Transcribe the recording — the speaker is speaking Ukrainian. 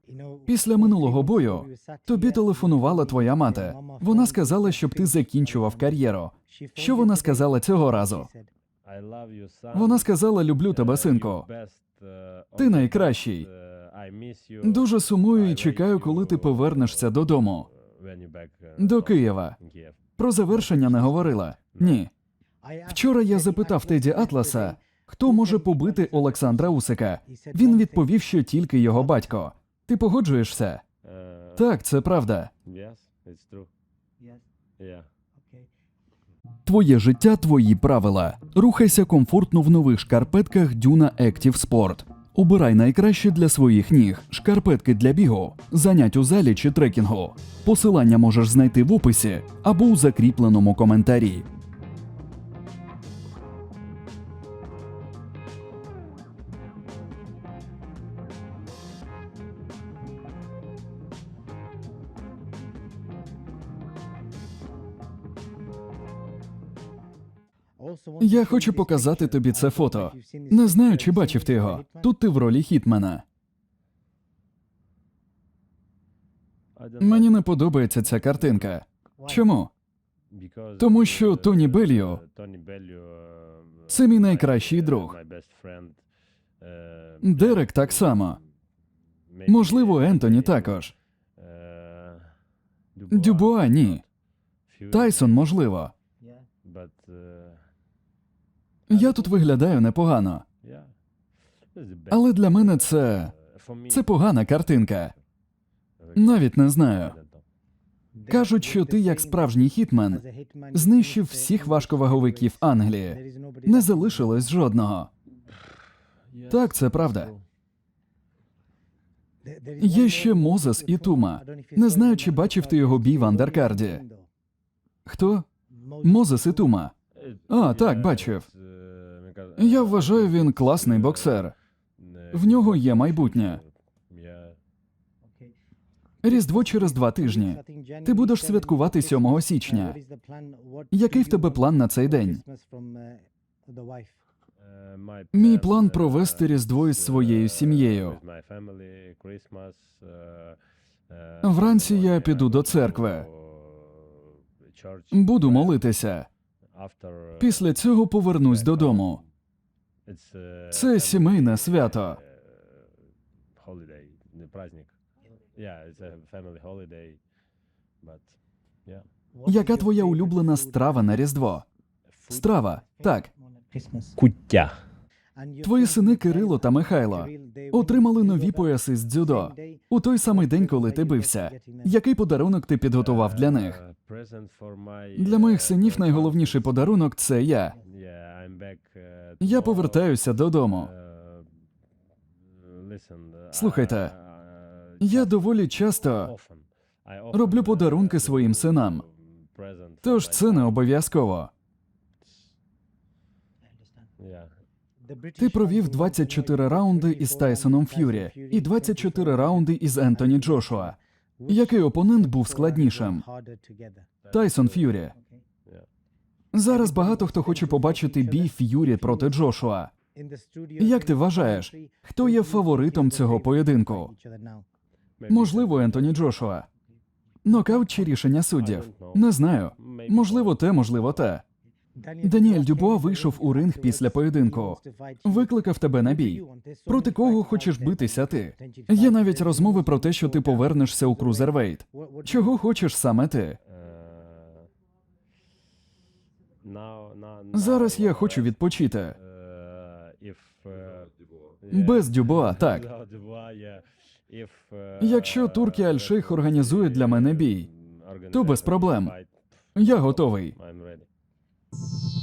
Після минулого бою тобі телефонувала твоя мати. Вона сказала, щоб ти закінчував кар'єру. Що вона сказала цього разу? Вона сказала: люблю тебе, синку. Ти найкращий. Дуже сумую і чекаю, коли ти повернешся додому. До Києва. Про завершення не говорила? Ні. Вчора я запитав Теді Атласа, хто може побити Олександра Усика. Він відповів, що тільки його батько. Ти погоджуєшся? Так, це правда. Твоє життя – твої правила. Рухайся комфортно в нових шкарпетках Duna Active Sport. Обирай найкраще для своїх ніг. Шкарпетки для бігу, занять у залі чи трекінгу. Посилання можеш знайти в описі або у закріпленому коментарі. Я хочу показати тобі це фото. Не знаю, чи бачив ти його. Тут ти в ролі хітмена. Мені не подобається ця картинка. Чому? Тому що Тоні Белліо – це мій найкращий друг. Дерек так само. Можливо, Ентоні також. Дюбуа – ні. Тайсон – можливо. Я тут виглядаю непогано. Але для мене це погана картинка. Навіть не знаю. Кажуть, що ти, як справжній хітмен, знищив всіх важковаговиків Англії. Не залишилось жодного. Так, це правда. Є ще Мозес і Тума. Не знаю, чи бачив ти його бій в андеркарді. Хто? Мозес і Тума. А, так, бачив. Я вважаю, він класний боксер. В нього є майбутнє. Різдво через 2 тижні. Ти будеш святкувати 7 січня. Який в тебе план на цей день? Мій план – провести Різдво із своєю сім'єю. Вранці я піду до церкви. Буду молитися. Після цього повернусь додому. Це сімейне свято. Яка твоя улюблена страва на Різдво? Страва, так. Куття. Твої сини Кирило та Михайло отримали нові пояси з дзюдо у той самий день, коли ти бився. Який подарунок ти підготував для них? Для моїх синів найголовніший подарунок – це я. Я повертаюся додому. Слухайте, я доволі часто роблю подарунки своїм синам. Тож це не обов'язково. Ти провів 24 раунди із Тайсоном Ф'юрі і 24 раунди із Ентоні Джошуа. Який опонент був складнішим? Тайсон Ф'юрі. Зараз багато хто хоче побачити бій Ф'юрі проти Джошуа. Як ти вважаєш, хто є фаворитом цього поєдинку? Можливо, Ентоні Джошуа. Нокаут чи рішення суддів? Не знаю. Можливо те, можливо те. Даніель Дюбуа вийшов у ринг після поєдинку. Викликав тебе на бій. Проти кого хочеш битися ти? Є навіть розмови про те, що ти повернешся у крузервейт. Чого хочеш саме ти? Зараз я хочу відпочити. Без Дюбуа, так. Якщо Туркі Аль-Шейх організує для мене бій, то без проблем. Я готовий.